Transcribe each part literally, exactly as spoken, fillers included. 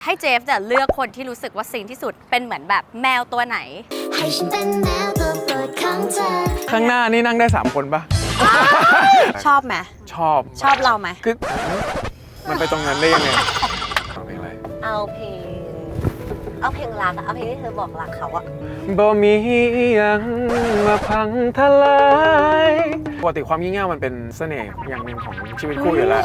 ให้เจฟเนี่ยเลือกคนที่รู้สึกว่าซิงที่สุดเป็นเหมือนแบบแมวตัวไหนให้ฉันเป็นแมวตัวโปรดของเธอข้างหน้านี่นั่งได้สามคนปะชอบไหมชอบชอบเราไหมคือมันไปตรงนั้นได้ยังไงเอาเพลงอะไรเอาเพลงเอาเพลงรักเอาเพลงที่เธอบอกรักเขาอะบ่มียังมาพังทลายปกติความยิ่งใหญ่มันเป็นเสน่ห์อย่างหนึ่งของชีวิตคู่อยู่แล้ว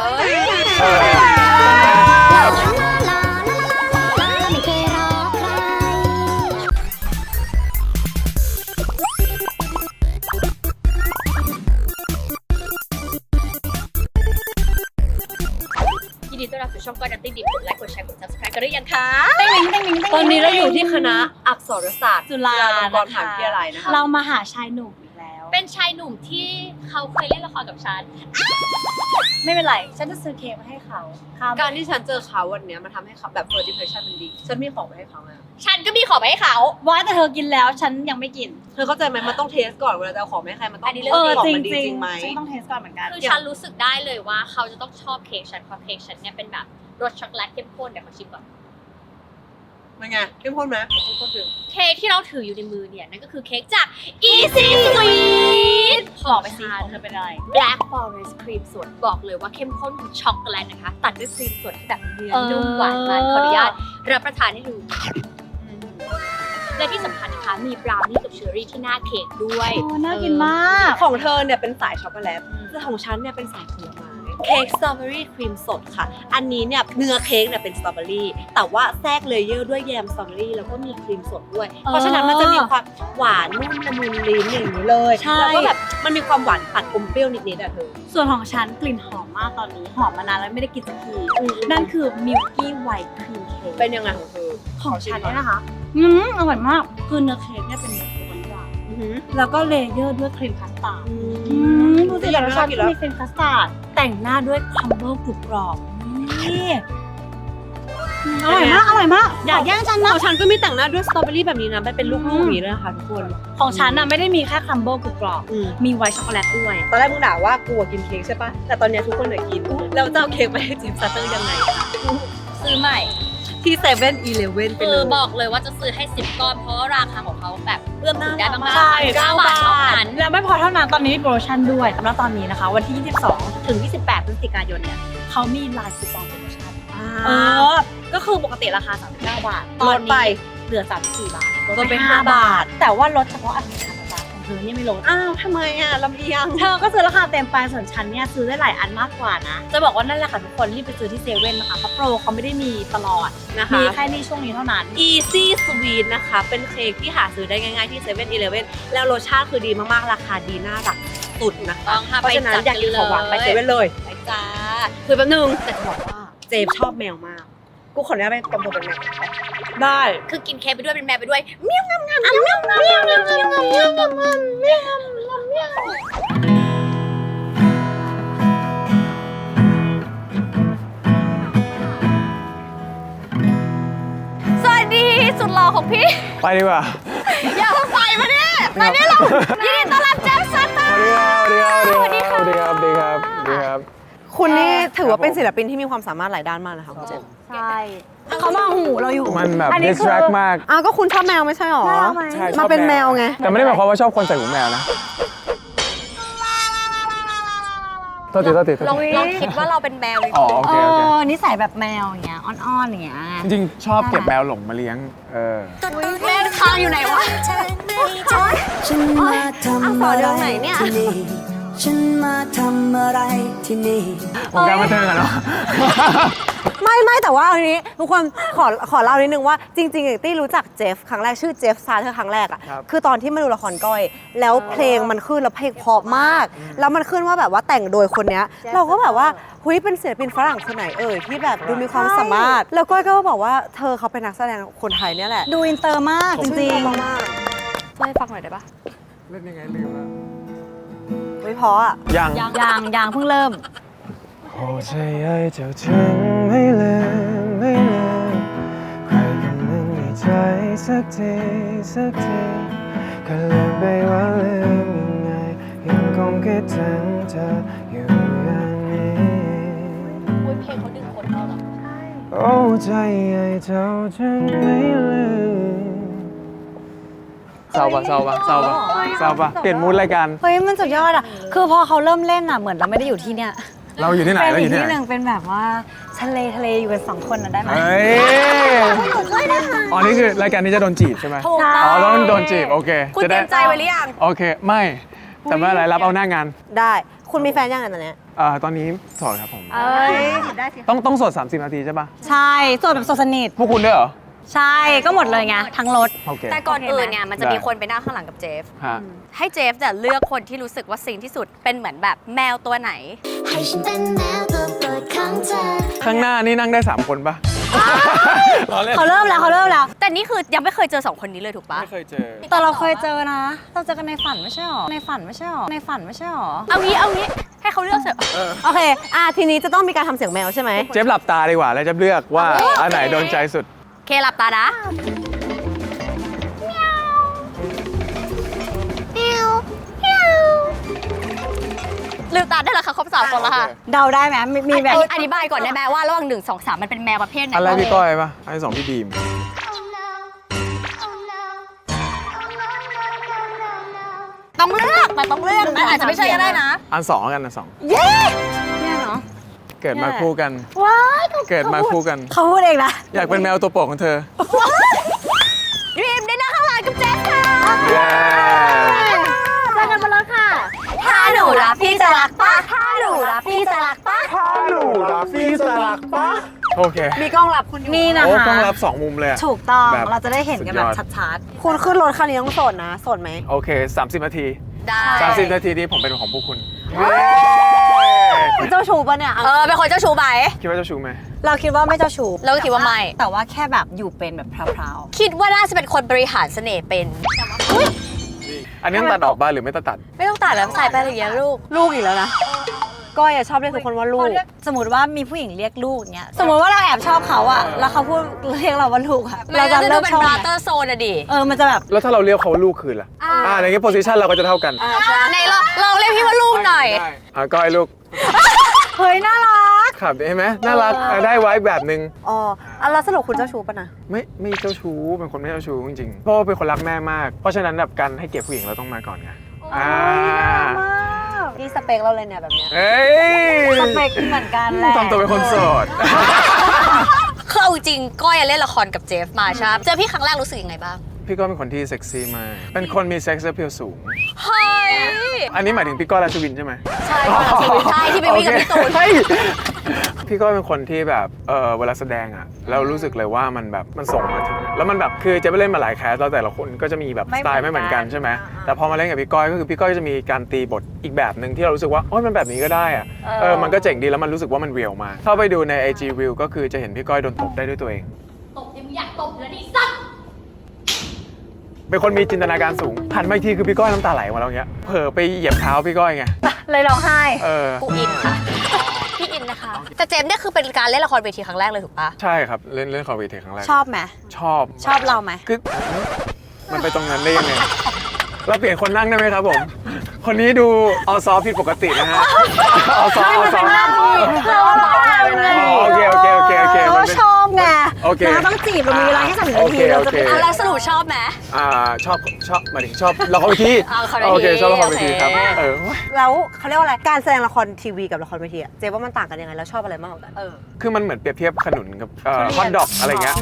ยินดีต้อนรับสู่ช่องก้อยนัตตี้ดิบกดไลค์กดแชร์กด ซับสไครบ์ กันหรือยังคะตอนนี้เราอยู่ที่คณะอักษรศาสตร์จุฬาลงกรณ์มหาวิทยาลัยนะคะเรามาหาชายหนุ่มอีกแล้วเป็นชายหนุ่มที่เขาเคยเล่นละครกับฉันไม่เป็นไรฉันจะซื้อเค้กมาให้เขาการที่ฉันเจอเขาวันนี้มันทำให้เขาแบบ first impression มันดีฉันมีของไปให้เขาไงฉันก็มีของไปให้เขาว่าแต่เธอกินแล้วฉันยังไม่กินเธอเข้าใจไหมมันต้องเทสก่อนเวลาจะเอาของไปให้ใครมันต้องเออจริงจริงไหมฉันต้องเทสก่อนเหมือนกันคือฉันรู้สึกได้เลยว่าเขาจะต้องชอบเค้กฉันเพราะเค้กฉันเนี่ยเป็นแบบรสช็อกโกแลตเข้มข้นเดี๋ยวขอชิมก่อนมันไงเข้มข้นไหมเข้มข้นถึงเค้กที่เราถืออยู่ในมือเนี่ยนั่นก็คือเค้กจาก Easy Sweet บอกไปสิเธอเป็นอะไร Black Forest ครีมสดบอกเลยว่าเข้มข้นของช็อกโกแลตนะคะตัดด้วยครีมสดที่แบบเนื้อนุ่มหวานมันขออนุญาตรับประทานให้ดูและที่สำคัญนะคะมีบราวนี่กับเชอร์รี่ที่หน้าเค้กด้วยน่ากินมากของเธอเนี่ยเป็นสายช็อกโกแลตแต่ของฉันเนี่ยเป็นสายผลไม้เค้กสตรอเบอรี่ครีมสดค่ะอันนี้เนี่ยเนื้อเค้กเนี่ยเป็นสตรอเบอรี่แต่ว่าแทรกเลเยอร์ด้วยแยมสตรอเบอรี่แล้วก็มีครีมสดด้วยเพราะฉะนั้นมันจะมีความหวานนุ่มละมุนลิ้นอย่างนี้เลยแล้วก็แบบมันมีความหวานตัดอมเปรี้ยวนิดๆอ่ะเธอส่วนของฉันกลิ่นหอมมากตอนนี้หอมมานานแล้วไม่ได้กินสักทีนั่นคือมิลกี้ไวท์ครีมเค้กเป็นยังไงของเธอของฉันเนี่ยนะคะอืมอร่อยมากคือเนื้อเค้กเนี่ยเป็นเนื้อหวานหวานแล้วก็เลเยอร์ด้วยครีมคัสตาร์ดดูสิรสชาติมีครีมคัสตาร์ดแต่งหน้าด้วยคัมเบิลกรุบกรอบนี่อร่อยมากอร่อยมากอยากแย่งฉันนะของฉันก็มีแต่งหน้าด้วยสตรอเบอรี่แบบนี้นะเป็นลูกๆอย่างนี้เลยนะคะทุกคนของฉันน่ะไม่ได้มีแค่คัมเบิลกรุบกรอบมีไวท์ช็อกโกแลตด้วยตอนแรกมึงด่าว่ากูกินเค้กใช่ปะแต่ตอนนี้ทุกคนเหลือกินแล้วจะเอาเค้กไปให้จิมซัตเตอร์ยังไงซื้อใหม่ที่เซเว่นอีเลฟเว่นคือบอกเลยว่าจะซื้อให้สิบก้อนเพราะราคาของเขาแบบเอื้อมถึงได้มากๆเก้าบาทเท่านั้นแล้วไม่พอเท่านั้นตอนนี้มีโปรโมชั่นด้วยแล้วตอนนี้นะคะวันที่ยี่สิบสองถึงยี่สิบแปดพฤศจิกายนเนี่ยเขามีไลน์คูปองโปรโมชั่นเออก็คือปกติราคาสามสิบเก้าบาทลดไปเหลือสามสิบสี่บาทลดไปห้าบาทแต่ว่าลดเฉพาะอาทิตย์ละบาทของเธอเนี่ยไม่ลดอ้าวทำไมอ่ะลำเอียงเธอก็ซื้อราคาเต็มไปส่วนฉันเนี่ยซื้อได้หลายอันมากกว่านะจะบอกว่านั่นแหละค่ะทุกคนรีบไปซื้อที่เซเว่นนะคะเพราะโปรเขาไม่ได้มีตลอดนะคะมีแค่นี้ช่วงนี้เท่านั้น Easy Sweet นะคะเป็นเค้กที่หาซื้อได้ง่ายๆที่เซเว่นอีเลฟเว่นแล้วรสชาติคือดีมากๆราคาดีน่ารักสุดนะคะเพราะฉะนั้นอยากกินของหวานไปเซเว่นเลยไปจ้าคือแป๊บนึงแต่จะบอกว่าเจมชอบแมวมากกูขออนุญาตไปตบตัวเป็นแมวได้คือกินเค้กไปด้วยเป็นแมวไปด้วยเมี้ยวงามงามเมี้ยวงามงามเมี้ยวงามงามเมี้ยวงามงามเมี้ยวงามงามเมี้ยวสวัสดีสุดหล่อของพี่ไปดีกว่าอย่าเพิ่งไปมาเนี่ยไปเนี่ยเรายินดีต้อนรับเจฟซัตเตอร์สวัสดีครับสวัสดีครับสวัสดีครับสวัสดีครับคุณนี่ถือว่าเป็นศิลปินที่มีความสามารถหลายด้านมากนะคะคุณเจมใช่เขามองหูเราอยู่มันแบบ distract มากอ้าวก็คุณชอบแมวไม่ใช่หรอใช่มาเป็นแมวไงแต่ไม่ได้หมายความว่าชอบคนใส่หูแมวนะโทษทีโทษทีลองลองคิดว่าเราเป็นแมวเลยอ๋อโอเคโอเคนิสัยแบบแมวอย่างเงี้ยอ้อนๆอย่างเงี้ยจริงๆชอบเก็บแมวหลงมาเลี้ยงเออแม่ค้างอยู่ไหนวะฉันมาทำอะไรที่นี่ฉันมาทำอะไรที่นี่วงการบันเทิงอะเนาะไม่ไม่แต่ว่าอันนี้ทุกคนขอขอเล่านิดนึงว่าจริงๆตี้รู้จักเจฟครั้งแรกชื่อเจฟซาเธอครั้งแรกอ่ะคือตอนที่มาดูละครก้อยแล้วเพลงมันขึ้นแล้วเพลงเพราะมากแล้วมันขึ้นว่าแบบว่าแต่งโดยคนเนี้ยเราก็แบบว่าหุยเป็นศิลปินฝรั่งคนไหนเอ่ยที่แบบดูมีความสามารถแล้วก้อยก็บอกว่าเธอเขาเป็นนักแสดงคนไทยเนี่ยแหละดูอินเตอร์มากจริงๆมากช่วยฟังหน่อยได้ปะเล่นยังไงลืมแล้วไม่พออ่ะยังยังยังเพิ่งเริ่มโอ้ใจใหญ่เจ้าถึงไม่ลืมไม่ลืมใครก็ไม่มีใจสักทีสักทีก็ลืมไปว่าลืมยังไงยังคงคิดถึงเธออยู่อย่างนี้อุ้ยเพลงเขาดึงคนเข้าหรอเอโอ้ใจไอ้เจ้าฉันไม่ลืมเศร้าปะเศร้าปะเศร้าปะเศร้าปะเปลี่ยนมูดรายการเฮ้ยมันสุดยอดอ่ะคือพอเขาเริ่มเล่นอ่ะเหมือนเราไม่ได้อยู่ที่เนี้ยเราอยู่ที่ไหนเป็นเราออียู่กที่ที่ไหหนนึ่งเป็นแบบว่าทะเลทะเลอยู่กันสองคนน่ะได้ไหมเฮ้ยอ๋อนี่คือรายการนี้จะโดนจีบใช่ไหมถูกต้อ๋ออง แล้วโดนจีบโอเคคุณจะเตรีได้ยมใจไว้หรือยังโอเคไม่แต่ไม่เป็นไรรับเอาหน้างานได้คุณมีแฟนยังไงตอนเนี้ยเอ่อตอนนี้โสดครับผมเอ้ยได้สิต้องต้องโสดสามสิบนาทีใช่ปะใช่โสดแบบโสดสนิทพวกคุณด้วยเหรอใช่ก็หมดเลยไงทั้งรถโอเคแต่ก่อนอื่นเนี่ยมันจะได้มีคนไปนั่งข้างหลังกับเจฟฮะให้เจฟเนี่ยเลือกคนที่รู้สึกว่าซิงที่สุดเป็นเหมือนแบบแมวตัวไหนให้ฉันเป็นแมวตัวโปรดของเธอข้างหน้านี่นั่งได้สามคนปะล้อเล่นเขาเริ่มแล้วเขาเริ่มแล้วแต่นี่คือยังไม่เคยเจอสองคนนี้เลยถูกปะไม่เคยเจอแต่เราเคยเจอนะ เราเจอกันในฝันไม่ใช่หรอในฝันไม่ใช่หรอในฝันไม่ใช่หรอเอางี้เอางี้ให้เขาเลือกเถอะโอเคอ่ะทีนี้จะต้องมีการทำเสียงแมวใช่ไหมเจฟหลับตาดีกว่าแล้วจะเลือกว่าอันไหนโดนใจสุดเคหลับตานะลืมตาได้แล้วค่ะครบสามคนแล้วค่ะเดาได้ไหมมีมีแบบอธิบายก่อนได้ไหมว่าระหว่างหนึ่งสองสามมันเป็นแมวประเภทไหนอะไรพี่ก้อยปะอันที่สองพี่บีมต้องเลือกมันต้องเลือกมันอาจจะไม่ใช่ก็ได้นะอันสองแล้วกันอันสองเย้เนี่ยเนาะเกิดมาคู่กันว้ายเกิดมาคู่กันเขาพูดเองนะอยากเป็นแมวตัวโปรดของเธอดีมได้นั่งข้างหลังกับเจฟค่ะเย้เจอกันบนรถค่ะถ้าหนูรักพี่จะรักป้าถ้าหนูรักพี่จะรักป้าโอเคมีกล้องรับคุณนี่นะโอ้คะต้องรับสองมุมเลยอะถูกต้องแบบเราจะได้เห็นกันแบบสุดยอดชัดๆ คุณขึ้นรถคันนี้ต้องโสดนะโสดไหมโอเคสามสิบนาทีได้สามสิบนาทีนี้ผมเป็นของพวกคุณคุณเจ้าชู้ปะเนี่ยเออเป็นคนเจ้าชู้ไหมคิดว่าเจะชูไหมเราคิดว่าไม่เจ้าชู้เราก็คิดว่าไม่แต่ว่าแค่แบบอยู่เป็นแบบพราวคิดว่าน่าจะเป็นคนบริหารเสน่ห์เป็นอันนี้ต้องตัดออกบ้างหรือไม่ตัดตัดไม่ต้องตัดแล้วใส่ไปเลยางลูกๆลูกอีกแล้วนะก้อยอะชอบเรียกทุกคนว่าลูก สมมติว่ามีผู้หญิงเรียกลูกเนี้ยสมมติว่าเราแอบชอบเขาอะแล้วเขาพูดเรียกเราว่าลูกอะเราจะดูเลิกเป็นชอบบราไหมเตอร์โซนอะดิเออมันจะแบบแล้วถ้าเราเรียกเขาลูกคืนล่ะอ่าอ่าในนี้โพสิชันเราก็จะเท่ากันในเราเราเรียกพี่ว่าลูกหน่อยได้อ่ะก้อยลูกเฮ้ยน่ารักขับเห็นไหมน่ารักอ่ะได้ไว้แบบนึงอ๋ออ่ะแล้วสรุปคุณเจ้าชู้ปะนะไม่ไม่เจ้าชู้เป็นคนไม่เจ้าชู้จริงๆเพราะว่าเป็นคนรักแม่มาก เพราะฉะนั้นแบบการให้เกียรติผู้หญิงเราต้องมาก่อนไงอ่านี่สเปคเราเลยเนี่ยแบบเนี้ยเอ้ยสเปคเหมือนกันแหละทำตัวเป็นคนโสดคือเอาจริงก้อยเล่นละครกับเจฟมาใช่ไหมเจอพี่ครั้งแรกรู้สึกยังไงบ้างพี่ก้อยเป็นคนที่เซ็กซี่มากเป็นคนมีเซ็กซ์เพลสูงเฮ้ยอันนี้หมายถึงพี่ก้อยราชวินใช่ไหมใช่ค่ะใช่ที่ไปวิ่งกับพี่ตูนเฮ้ยพี่ก้อยเป็นคนที่แบบเออเวลาแสดงอ่ะเรารู้สึกเลยว่ามันแบบมันส่งมาถึง แล้วมันแบบคือเจะไปเล่นมาหลายแคสแล้วแต่ละคนก็จะมีแบบสไตล์ไม่เหมือนกันใช่ไหมแต่พอมาเล่นกับพี่ก้อยก็คือพี่ก้อยจะมีการตีบทอีกแบบหนึ่งที่เรารู้สึกว่าโอ้ยมันแบบนี้ก็ได้อ่ะเออมันก็เจ๋งดีแล้วมันรู้สึกว่ามันเรียลมากเข้าไปดูใน ไอ จี Reel ก็คือจะเห็นพี่ก้อยโดนตบได้ด้วยตัวเองตบยังอยากตบแล้วดิสัตว์เป็นคนมีจินตนาการสูงหันมาอีกทีคือพี่ก้อยน้ำตาไหลมาแล้วเงี้ยเผลอไปเหยียบเท้าพี่ก้อยไงเลยร้องไห้เออกูอินค่ะ พี่อินนะคะ แต่เจมส์เนี่ยคือเป็นการเล่นละครเวทีครั้งแรกเลยถูกปะใช่ครับเล่นเล่นคอมเวทีครั้งแรกชอบไหมชอบชอบเราไหมคือมันไปตรงนั้นได้ยังไง เราเปลี่ยนคนนั่งได้ไหมครับผม คนนี้ดูออซอผิดปกตินะฮะออซอออซอเราเราเป็นไงอ๋อโอเคโอเคโอเคโอเคเรามันเป็นชอบไงโอเคเราต้องจีบเรามีเวลาแค่สามนาทีโอเคเราจะโอเคไปเอาแล้วสรุปชอบไหมอ่าชอบชอบหมายถึงชอบละครเวทีอ่าละครเวทีโอเคชอบละครเวทีโอเคครับเออแล้วเขาเรียกว่าอะไรการแสดงละครทีวีกับละครเวทีอะเจ๊ว่ามันต่างกันยังไงแล้วชอบอะไรมากกว่ากันเออคือมันเหมือนเปรียบเทียบขนุนกับฮอทดอกอะไรเงี้ย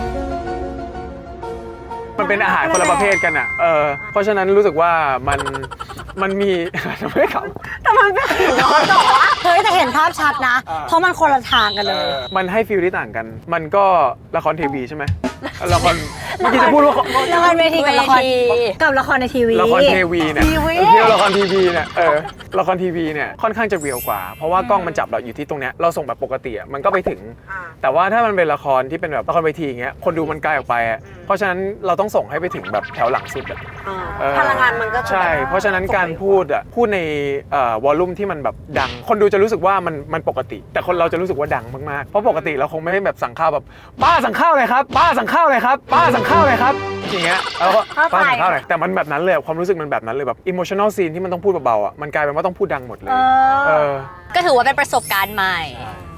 มันเป็นอาหารคนละประเภทกันอ่ะ เออ เพราะฉะนั้นรู้สึกว่ามัน มันมี ไม่ขำแต่มันเป็นเฮ้ยแต่เห็นภาพชัดนะอ่าเพราะมันคนละทางกันเลยมันให้ฟีลที่ต่างกัน มันก็ละครทีวีใช่ไหมละครเมื่อกี้จะพูดว่าละครเวทีกับละครเวทีกับละครในทีวีละครทีวีเนี่ยทีวีเที่ยวละครทีวีเนี่ย เออ ละครทีวีเนี่ยค่อนข้างจะเรียลกว่า เพราะว่ากล้องมันจับเราอยู่ที่ตรงเนี้ย เราส่งแบบปกติอ่ะ มันก็ไปถึงอ่าแต่ว่าถ้ามันเป็นละครที่เป็นแบบละครเวทีอย่างเงี้ย คนดูมันไกลออกไปอ่ะ เพราะฉะนั้นเราต้องส่งให้ไปถึงแบบแถวหลังสุดอ่ะอ่าเออพลังงานมันก็จะใช่ เพราะฉะนั้นการพูดอ่ะ พูดในเอ่อวอลลุ่มที่มันแบบดัง คนดูจะรู้สึกว่ามันมันปกติ แต่คนเราจะรู้สึกว่าดังมากๆ เพราะปกติเราคงไม่ได้แบบสั่งข้าวแบบป้าสั่งข้าวเลยครับ ป้าสั่งข้าวเลยครับ ป้าสั่งข้าวเลยครับ อย่างเงี้ย แล้วก็ป้าสั่งข้าวเลยแต่มันแบบนั้นเลยความรู้สึกมันแบบนั้นเลยแบบอิโมชั่นอลซีนที่มันต้องพูดเบาๆอ่ะ มันกลายเป็นว่าต้องพูดดังหมดเลยเอเอออก็ถือว่าเป็นประสบการณ์ใหม่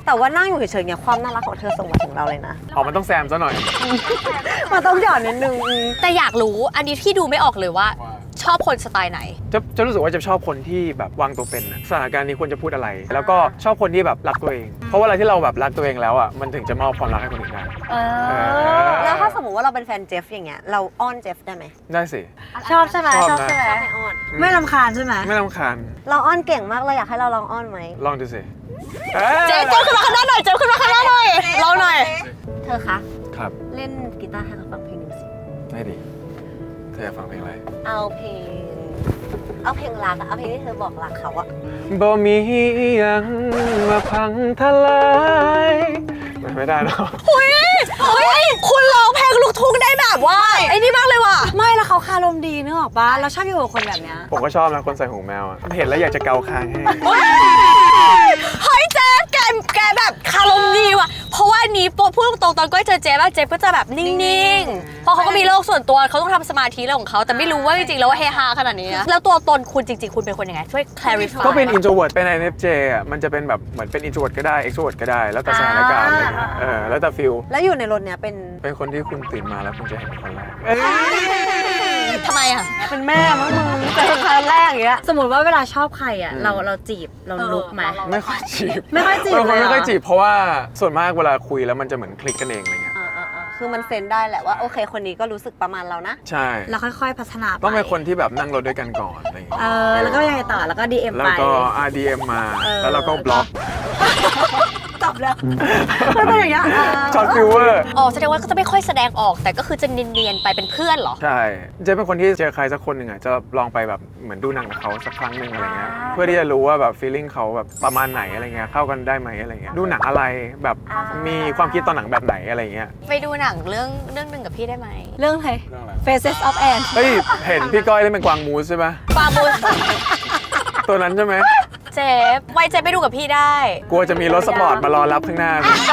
แต่ว่านั่งอยู่เฉยๆเนี่ยความน่ารักของเธอส่งมาถึงเราเลยนะอ๋อมันต้องแซมซะหน่อยมันต้องหยอดนิดนึงแต่อยากรู้อันนี้พี่ดูไม่ออกเลยว่าชอบคนสไตล์ไหนจะจะรู้สึกว่าจะชอบคนที่แบบวางตัวเป็นน่ะสถานการณ์นี้ควรจะพูดอะไร แล้วก็ชอบคนที่แบบรักตัวเอง เพราะว่าอะไรที่เราแบบรักตัวเองแล้วอ่ะมันถึงจะมอบความรักให้คนอื่นได้เอเอออแล้วถ้าสมมติว่าเราเป็นแฟนเจฟอย่างเงี้ยเราอ้อนเจฟได้ไหมได้สิชอบใช่ไหมชอบนะใช่ไหมชอบให้อ้อนไม่รำคาญใช่ไหมไม่รำคาญเราอ้อนเก่งมากเลยอยากให้เราลองอ้อนไหมลองดูสิเจ๊เจ๊ขึ้นมาข้างหน้าหน่อยเจ๊ขึ้นมาข้างหน้าหน่อยลองหน่อยเธอคะครับเล่นกีตาร์ให้เราฟังเพลงหนึ่งสิได้ดิเธออยากฟังเพลงอะไรเอาเพลงเอาเพลงรักอะเอาเพลงที่เธอบอกรักเขาอะบ่มีอิหยังมาพังทลายไม่ได้เนาะเฮ้ยคุณร้องเพลงลูกทุ่งได้แบบว่าไอ้นี่มากเลยว่ะไม่แล้วเขาคารมดีนึกออกปะเราชอบอยู่กับคนแบบเนี้ยผมก็ชอบนะคนใส่หูแมวอะเห็นแล้วอยากจะเกาคางให้เฮ้ยเจ๊แกแกแบบคารมดีว่ะเพราะว่านี้พูดตรงๆตอนก้อยเจอเจ๊ป่ะเจ๊ก็จะแบบนิ่งๆเพราะเขาก็มีโลกส่วนตัวเขาต้องทำสมาธิเรื่องของเขาแต่ไม่รู้ว่าจริงๆแล้วว่าเฮฮาขนาดนี้นะแล้วตัวตนคุณจริงๆคุณเป็นคนยังไงช่วย clarify ก็เป็น introvert เป็น ไอ เอ็น เอฟ เจ อ่ะมันจะเป็นแบบเหมือนเป็น introvert ก็ได้ extrovert ก็ได้ แล้วแต่สถานการณ์อะไรเงี้ยเออแล้วแต่ฟิลแล้วอยู่ในรถเนี้ยเป็นเป็นคนที่คุณตื่นมาแล้วคุณจะเห็นคนแรกทำไมอ่ะเป็นแม่มั้งมึงเจอครั้งแรกอย่างเงี้ยสมมติว่าเวลาชอบใครอ่ะเราเราจีบเราลุกไหมไม่ค่อยจีบไม่ค่อยจีบเป็นคนเลยเหรอไม่ค่อยจีบเพราะว่าส่วนมากเวลาคุยแล้วมันจะเหมือนคลิกกันเองอะไรเงี้ยคือมันเซนได้แหละว่าโอเคคนนี้ก็รู้สึกประมาณเรานะใช่เราค่อยๆพัฒนาไปต้องเป็นคนที่แบบนั่งรถด้วยกันก่อนอะไรเงี้ยเออแล้วก็ยังไงต่อแล้วก็ ดี เอ็มแล้วไปก็ อาร์ ดี เอ็ม มาเออแล้วเราก็บล็อกจบแล้วไม่เป็นอย่างเงี้ยช็อตฟิวเวอร์อ๋อแสดงว่าก็จะไม่ค่อยแสดงออกแต่ก็คือจะเนียนๆไปเป็นเพื่อนเหรอใช่เจ๊เป็นคนที่เจอใครสักคนหนึ่งอ่ะจะลองไปแบบเหมือนดูหนังกับเขาสักครั้งหนึ่งอะไรเงี้ยเพื่อที่จะรู้ว่าแบบ feeling เขาแบบประมาณไหนอะไรเงี้ยเข้ากันได้ไหมอะไรเงี้ยดูหนังอะไรแบบมีความคิดตอนหนังแบบไหนอะไรเงี้ยไปดูหนังเรื่องเรื่องหนึ่งกับพี่ได้ไหมเรื่องอะไร Faces of Anne เฮ้ยเห็นพี่ก้อยเล่นเป็นกวางมูสใช่ไหมปาบุญตัวนั้นใช่ไหมเจ๊ไว้เจ๊ไปดูกับพี่ได้กลัวจะมีรถสปอร์ตมารอรับข้างหน้า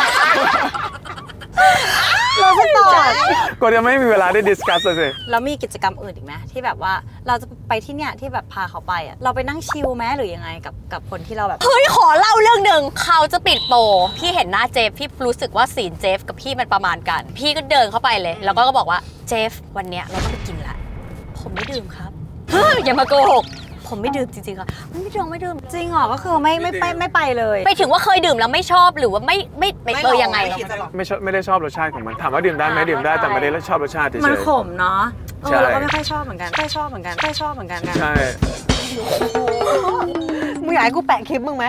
เราสปอร์ตกลัวจะไม่มีเวลาได้ดิสคัสเลยสิแล้วมีกิจกรรมอื่นอีกไหมที่แบบว่าเราจะไปที่เนี่ยที่แบบพาเขาไปอ่ะเราไปนั่งชิลไหมหรือยังไงกับกับคนที่เราแบบเฮ้ยขอเล่าเรื่องหนึ่งเขาจะปิดโปรพี่เห็นหน้าเจฟพี่รู้สึกว่าสีนเจฟกับพี่มันประมาณกัน พี่ก็เดินเข้าไปเลย แล้วก็บอกว่าเจฟวันเนี้ยเราต้องไปกินละผมไม่ดื่มครับเฮ้ยอย่ามาโกหกผมไม่ดื่มจริงๆค่ะไม่ดื่มไม่ดื่มจริงเหรอก็คือไม่ไม่ไปไม่ไปเลยไปถึงว่าเคยดื่มแล้วไม่ชอบหรือว่าไม่ไม่ไม่เออยังไงไม่ชอบไม่ได้ชอบรสชาติของมันถามว่าดื่มได้ไหมดื่มได้แต่ไม่ได้ชอบรสชาติเฉยๆมันขมเนาะเอใช่อเราก็ไม่ค่อยชอบเหมือนกันไม่ค่อยชอบเหมือนกันไม่ค่อยชอบเหมือนกันใช่มึงอยากให้กูแปะคลิปมึงไหม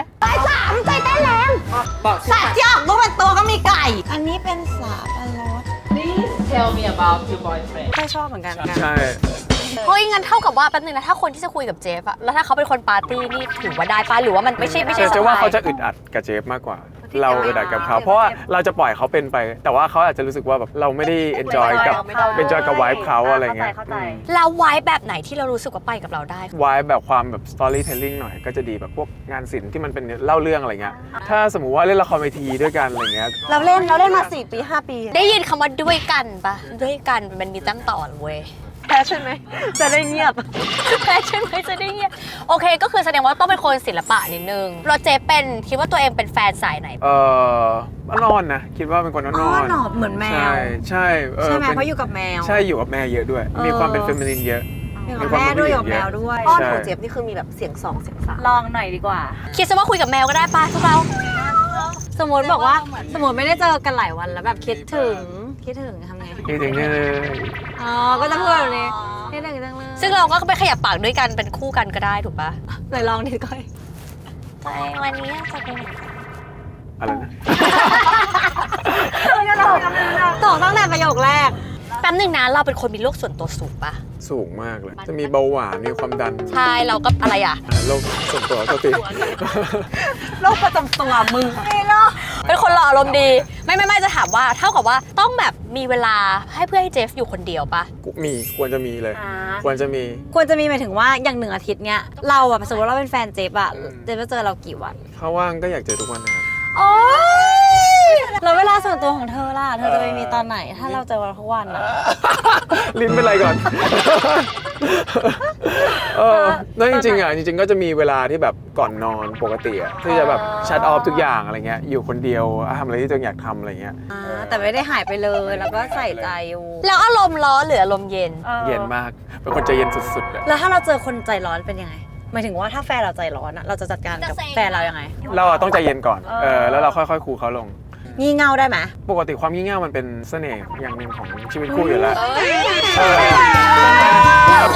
สัตว์ที่ออกลูกเป็นตัวก็มีไก่ อันนี้เป็นสาบอันรส Tell me about your boyfriend. ไม่ค่อยชอบเหมือนกันใช่เฮ้ยงั้นเท่ากับว่าแป๊บนึงนะถ้าคนที่จะคุยกับเจฟอะแล้วถ้าเขาเป็นคนปาร์ตี้นี่ถือว่าได้ปะหรือว่ามันไม่ใช่ไม่ใช่แต่สจะไตว่าเขาล์จะอึดอัดกับเจฟมากกว่า เราอึดอัดกับเขาเพราะว่าเราจะปล่อยเขาเป็นไป แต่ว่าเขาอาจจะรู้สึกว่าแบบเราไม่ได้ enjoy กับ enjoy กับ vibe เขาอะไรเงี้ยแล้วไว้แบบไหนที่เรารู้สึกว่าไปกับเราได้วายแบบความแบบ storytelling หน่อยก็จะดีแบบพวกงานศิลป์ที่มันเป็นเล่าเรื่องอะไรเงี้ยถ้าสมมุติว่าเล่นละครเวทีด้วยกันอะไรเงี้ยเราเล่นเราเล่นมาสี่ปีห้าปีได้ยินคำว่าด้วยกันปะด้วยกันมันมีตั้งต่อเว้ยแพ้ใช่ไหมจะได้เงียบแฟชั่นไหมจะได้เงี้ยโอเคก็คือแสดงว่าต้องเป็นคนศิลปะนิดนึงเราเจฟเป็นคิดว่าตัวเองเป็นแฟนสายไหนเอออนอนนะคิดว่าเป็นคนอนอ๋ออนหนอบเหมือนแมใช่วใช่เออใช่ไหมป็นเพราะอยู่กับแมวใช่อยู่กับแม่เยอะด้วยเออมีความเป็นเฟมินินเยอะอยู่กับแม่ด้วยอยู่กับแมวด้วยอ้อนใช่ของเจี๊ยบนี่คือมีแบบเสียงสองเสียงสามลองหน่อยดีกว่าคิดซะว่าคุยกับแมวก็ได้ปะพวกเราสมมติบอกว่าสมมติไม่ได้เจอกันหลายวันแล้วแบบคิดถึงคิดถึงทำไงจริงๆเนี่ยอ๋อก็จะพูดแบบนี้คิดถึงจังเลยซึ่งเราก็ไปขยับปากด้วยกันเป็นคู่กันก็ได้ถูกปะไหนลองดิก้อยไปวันนี้จะไปไหนอะไรนะตอบตั้งแต่ประโยคแรกแป๊บหนึงนะเราเป็นคนมีโรคส่วนตัวสูงปะสูงมากเลย จะมีเบาหวานมีความดันใช่เราก็อะไรอ่ะอ่าโรคส่วนตัวตัวติโรคประจำตัวมึงเป็นคนหล่ออารมณ์ดี ไม่ไม่ไม่จะถามว่าเท่ากับว่าต้องแบบมีเวลาให้เพื่อให้เจฟอยู่คนเดียวปะมีควรจะมีเลย ควรจะมีควรจะมีหมายถึงว่าอย่างหนึ่งอาทิตย์เนี้ยเราอะสมมติเราเป็นแฟนเจฟอะอืมเจฟจะเจอเรากี่วันถ้าว่างก็อยากเจอทุกวันนะครับโอ๊ยแล้วเวลาส่วนตัวของเธอล่ะ เธอจะไปมีตอนไหน ถ้าเราเจอวันทุกวันอะลิ้นเป็นไรก่อนเออแล้วจริงๆอ่ะจริงๆก็จะมีเวลาที่แบบก่อนนอนปกติอ่ะที่จะแบบชัดออฟทุกอย่างอะไรเงี้ยอยู่คนเดียวทำอะไรที่ตัวเองอยากทำอะไรเงี้ยอ่าแต่ไม่ได้หายไปเลยแล้วก็ใส่ใจอยู่แล้วอารมณ์ร้อนหรืออารมณ์เย็นเย็นมากเป็นคนใจเย็นสุดๆอ่ะแล้วถ้าเราเจอคนใจร้อนเป็นยังไงหมายถึงว่าถ้าแฟนเราใจร้อนอะเราจะจัดการกับแฟนเรายังไงเราอะต้องใจเย็นก่อนเออแล้วเราค่อยๆคูลเขาลงงี่เง่าได้ไหมปกติความงี่เง่ามันเป็นเสน่ห์อย่างหนึ่งของชีวิตคู่อยู่แล้วเออ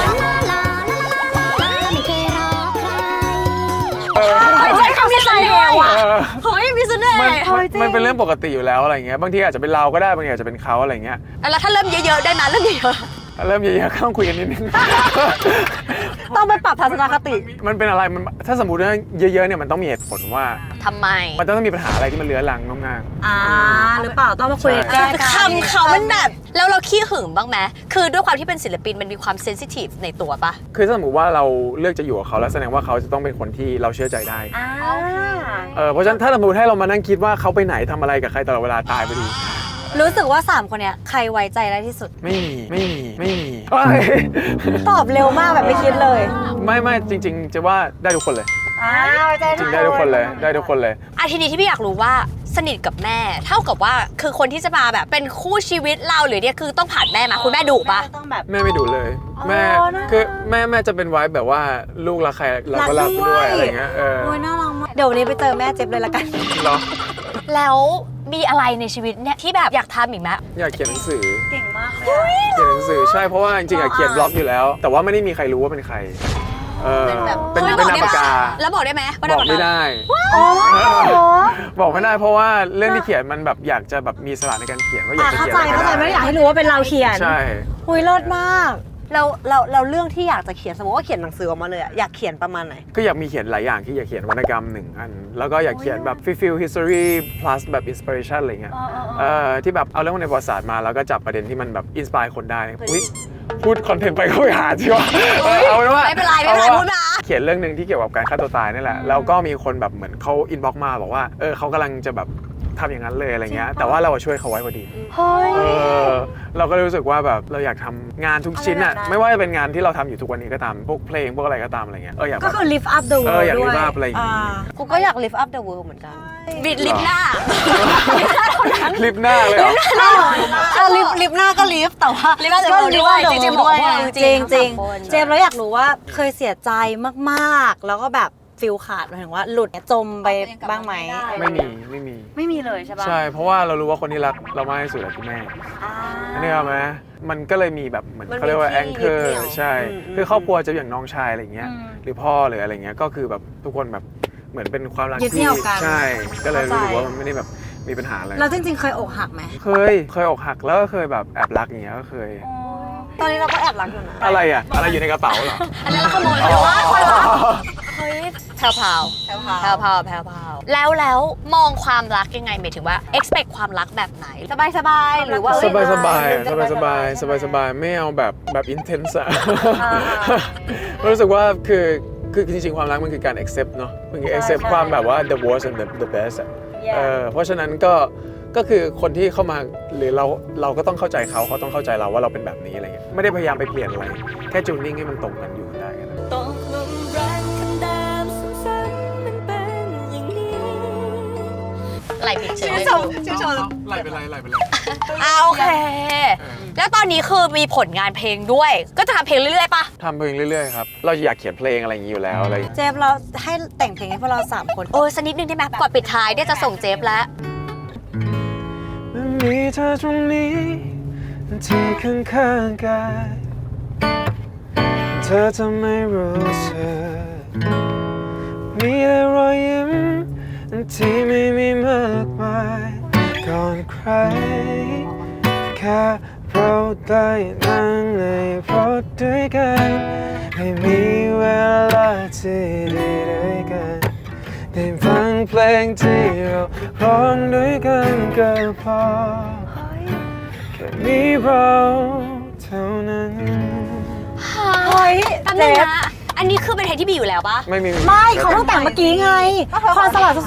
เออใช้คำมีเสน่ห์ว่ะเออเฮ้ยมีเสน่ห์มันมันมันเป็นเรื่องปกติอยู่แล้วอะไรเงี้ยบางทีอาจจะเป็นเราก็ได้บางทีอาจจะเป็นเขาอะไรเงี้ยแล้วถ้าเริ่มเยอะๆได้นะเริ่มเยอะเริ่มเยอะๆก็ต้องคุยกันนิดนึงต้องไปปรับทัศนคติมันเป็นอะไรมันถ้าสมมติว่าเยอะๆเนี่ยมันต้องมีเหตุผลว่าทำไมมันต้องมีปัญหาอะไรที่มันเรื้อรังงงอ่าหรือเปล่าต้องมาคุยกันแก้กันคำเขามันแบบแล้วเราขี้หึงบ้างไหมคือด้วยความที่เป็นศิลปินมันมีความเซนซิทีฟในตัวปะคือถ้าสมมติว่าเราเลือกจะอยู่กับเขาแล้วแสดงว่าเขาจะต้องเป็นคนที่เราเชื่อใจได้อ่าเออเพราะฉะนั้นถ้าสมมติให้เรามานั่งคิดว่าเขาไปไหนทำอะไรกับใครตลอดเวลาตายไปดีรู้สึกว่าสามคนเนี้ยใครไว้ใจได้ที่สุดไม่มีไม่มีไม่มีเอ้ยตอบเร็วมากแบบไม่คิดเลยไม่ไม่จริง ๆ จะว่าได้ทุกคนเลยอ่าไว้ใจจริงได้ทุกคนเลยได้ทุกคนเลยอ่ะทีนี้ที่พี่อยากรู้ว่าสนิทกับแม่ เท่ากับว่าคือคนที่จะมาแบบเป็นคู่ชีวิตเราหรือเนี่ยคือต้องผ่านแม่มาคุณแม่ดุปะต้องแบบแม่ไม่ดุเลย แม่อ๋อน่าคือแม่แม่จะเป็นไว้แบบว่าลูกรักใครเราก็รักด้วยอะไรเงี้ยเออโอ้ยน่ารักมากเดี๋ยววันนี้ไปเจอแม่เจ็บเลยละกันเหรอแล้วมีอะไรในชีวิตเนี่ยที่แบบอยากทำอีกไหมอยากเขียนหนังสือเก่งมากเลยเขียนหนังสือใช่เพราะว่าจริงๆอะเขียนบล็อกอยู่แล้ว แต่ว่าไม่ได้มีใครรู้ว่าเป็นใครเออเป็นแบบเป็นฮ้ยเป็นบนามได้ปากกาแล้วบอกได้ไหมว่าบอกไม่ได้ได้บอกไม่ได้เพราะว่าเรื่องที่เขียนมันแบบอยากจะแบบมีอิสระในการเขียนว่าอยากจะเข้าเขียนใจอะไรเข้าใจก็ไม่ได้อยากได้ให้รู้ว่าเป็นเราเขียนใช่หุยเลิศมากเราเราเราเรื่องที่อยากจะเขียนสมมติว่าเขียนหนังสือออกมาเลยอะอยากเขียนประมาณไหนก็อยากมีเขียนหลายอย่างที่อยากเขียนวรรณกรรมหนึ่งอัน แล้วก็อยากเขียนแบบ feel history plus แบบ inspiration อะไรเงี้ยเอ่อที่แบบเอาเรื่องในประวัติศาสตร์มาแล้วก็จับประเด็นที่มันแบบ inspire คนได้อุ๊ยพูดคอนเทนต์ไปก็ไปหาที่ว่าเอาเป็นว่าไม่เป็นไรไม่เป็นไรอาพูดมาเขียนเรื่องหนึ่งที่เกี่ยวกับการฆ่าตัวตายนี่แหละแล้วก็มีคนแบบเหมือนเขา inbox มาบอกว่าเออเขากำลังจะแบบทำอย่างนั้นเลยอะไรเงี้ยแต่ว่าเราช่วยเขาไว้พอดีเฮ้ยเออเราก็รู้สึกว่าแบบเราอยากทำงานทุกชิ้นอะอะไรแบบนั้นไม่ว่าจะเป็นงานที่เราทำอยู่ทุกวันนี้ก็ตามพวกเพลงพวกอะไรก็ตามอะไรเงี้ยเอออยากก็แบบคือ lift up the เอ world ออยากด้วย lift up อะไรอย่างงี้กูก็อยาก lift up the world เหมือนกันบิดลิปหน้าคลิปหน้าเลยเหรออ่ะลิฟต์ลิฟต์หน้าก็ลิฟต์แต่ว่า lift up the ก็ world ด้วย lift up the จริงๆ world ด้วยบอกว่าจจริริงงๆจริงทั้งสามคนเจมส์แล้วอยากรู้ว่าเคยเสียใจมากๆ แล้วก็แบบฟิลขาดหมายถึงว่าหลุดจมไปบ้างไหมไม่มีไม่มีไม่มีเลยใช่ปะใช่ เพราะว่าเรารู้ว่าคนที่รักเรามากที่สุดคือแม่อ่าอันนี้เอาไหมมันก็เลยมีแบบเหมือนมันมีเขาเรียกว่าที่แองเกอยึดเหนี่ร์ยวใช่อืมอืมคือครอบครัวจะอย่างน้องชายอะไรอย่างเงี้ยอืมหรือพ่อหรืออะไรเงี้ยก็คือแบบทุกคนแบบเหมือนเป็นความรักยึดเหนี่ที่ยวกันใช่ ก็เลยรู้สึกเข้าใจว่ามันไม่ได้แบบมีปัญหาอะไรเราจริงๆเคยอกหักไหมเคยเคยอกหักแล้วก็เคยแบบแอบรักอย่างเงี้ยก็เคยตอนนี้เราก็แอบรักอยู่นะอะไรอ่ะอะไรอยู่ในกระเป๋าเหรออันนั้นเราขโมยแต่ว่าคนรักเฮ้ยแพรวพราวแพรวพราวแพรวพราวแพรวพราวแล้วแล้วมองความรักยังไงหมายถึงว่า expect ความรักแบบไหนสบายสบายๆหรือว่าสบายสบายเอ้สบายสบายสบายสบายไม่เอาแบบแบบ intense อะอ่ารู้สึกว่าคือคือจริงๆ ความรักมันคือการ accept เนาะมันคือ accept ความแบบว่า the worst and the the best อะเออเพราะฉะนั้นก็ก็คือคนที่เข้ามาหรือเราเราก็ต้องเข้าใจเขาเขาต้องเข้าใจเราว่าเราเป็นแบบนี้อะไรเงี้ยไม่ได้พยายามไปเปลี่ยนอะไรแค่จูนนิ่งให้มันตรงกันอยู่ได้กันตกลงรักคำเดิมซ้ำๆมันเป็นอย่างนี้ไหลผิดเฉยเลยชื่อชมไหลเป็นไรไหลเป็นไรอ่าโอเค แล้วตอนนี้คือมีผลงานเพลงด้วย ก็จะทำเพลงเรื่อยๆปะทำเพลงเรื่อยๆครับเราอยากเขียนเพลงอะไรอย่างนี้อยู่แล้วอะไรอย่างงี้เจฟเราให้แต่งเพลงให้พวกเราสามคนโอ้ยสักนิดนึงได้ไหมก่อนปิดท้ายเนี่ยจะส่งเจฟแล้วมันมีเธอตรงนี้ที่ข้างๆกายเธอจะไม่รู้สึกมีแต่รอยยิ้มที่ไม่มีมากมายก่อนใครแค่เราได้นั่งในรถด้วยกันให้มีเวลาที่ดีด้วยกันได้ฟังเพลงที่เราร้องด้วยกันก็พอแค่มีเราเท่านั้นเฮ้ยแป๊บเจนึงฟนะอันนี้คือเป็นเพลงที่มีอยู่แล้วปะไม่มีไม่เขาเพิ่งแต่งเมื่อกี้ไงความสลัดสุด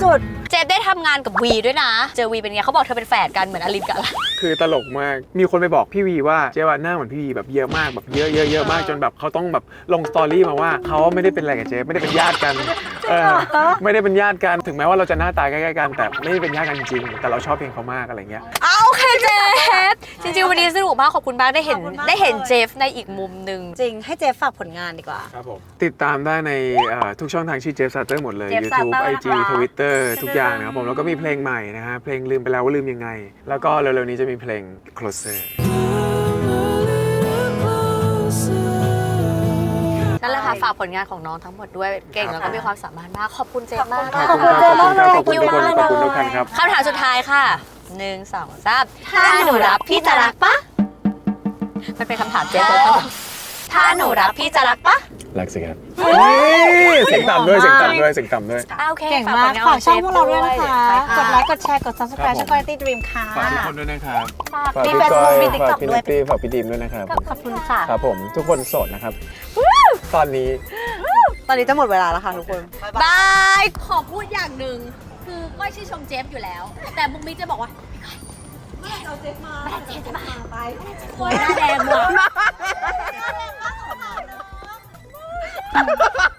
เจฟได้ทำงานกับวีด้วยนะ เจอวีเป็นไงเขาบอกเธอเป็นแฝดกันเหมือนอลินกับอะไรคือตลกมาก มีคนไปบอกพี่วีว่าเจ๊ว่าหน้าเหมือนพี่วีแบบเยอะมากแบบเยอะเยอะเยอะมากจนแบบเขาต้องแบบลงสตอรี่มาว่าเขาไม่ได้เป็นอะไรกับเจ๊ไม่ได้เป็นญาติกันเออไม่ได้เป็นญาติกันถึงแม้ว่าเราจะหน้าตาใกล้ๆกันแต่ไม่ได้เป็นญาติกันจริงๆแต่เราชอบเพลงเขามากอะไรเงี้ยเอาโอเคเจฟจริงๆวันนี้สนุกมากขอบคุณมากได้เห็นได้เห็นเจฟในอีกมุมหนึ่งจริงให้เจฟฝากผลงานดีกว่าครับผมติดตามได้ในเอ่อทุกช่องทางชื่อเจฟซาเตอร์หมดเลย Jeff YouTube Satter ไอ จีนะคะ Twitter ทุกอย่างนะครับผมแล้วก็มีเพลงใหม่นะฮะเพลงลืมไปแล้วว่าลืมยังไง แล้วก็เร็วๆนี้จะมีเพลง Closer นั่นแหละค่ะฝากผลงานของน้องทั้งหมดด้วยเก่งแล้วก็มีความสามารถมากขอบคุณเจฟมากขอบคุณครับขอบคุณครับขอบคุณทุกคนขอบคุณทุกท่านครับคำถามสุดท้ายค่ะหนึ่งสองสามถ้าหนูรับพี่จะรักปะมันเป็นคำถามเจฟเลยถ้าหนูรับพี่จะรักปะรักสิครับเสียงต่ำด้วยเสียงต่ำด้วยเสียงต่ำด้วยอ่าโอเคเก่งฝากมาผกลงานฝากช่องพวกเราด้วยนะเจฟคะไปกดไลค์ กดแชร์ กดครับ subscribe ช่อง Quality Dream ค่ะฝากทุกคนด้วยนะครับฝากฝากมีพี่เฟซก้อบุ๊กยมีติ๊กฝากต็อกพี่ด้นัวยตตี้ฝากพี่ดีมด้วยนะครับขอบคุณค่ะครับผมทุกคนโสดนะครับ ตอนนี้ตอนนี้จะหมดเวลาแล้วค่ะทุกคนบายขอพูดอย่างหนึ่งคือก้อยชื่นชมเจฟอยู่แล้ว แต่มุกมิกจะบอกว่าเมื่อไหร่เอาเจฟมาเมื่อไหร่เจฟจะมาไปโอยหน้าแดงหมด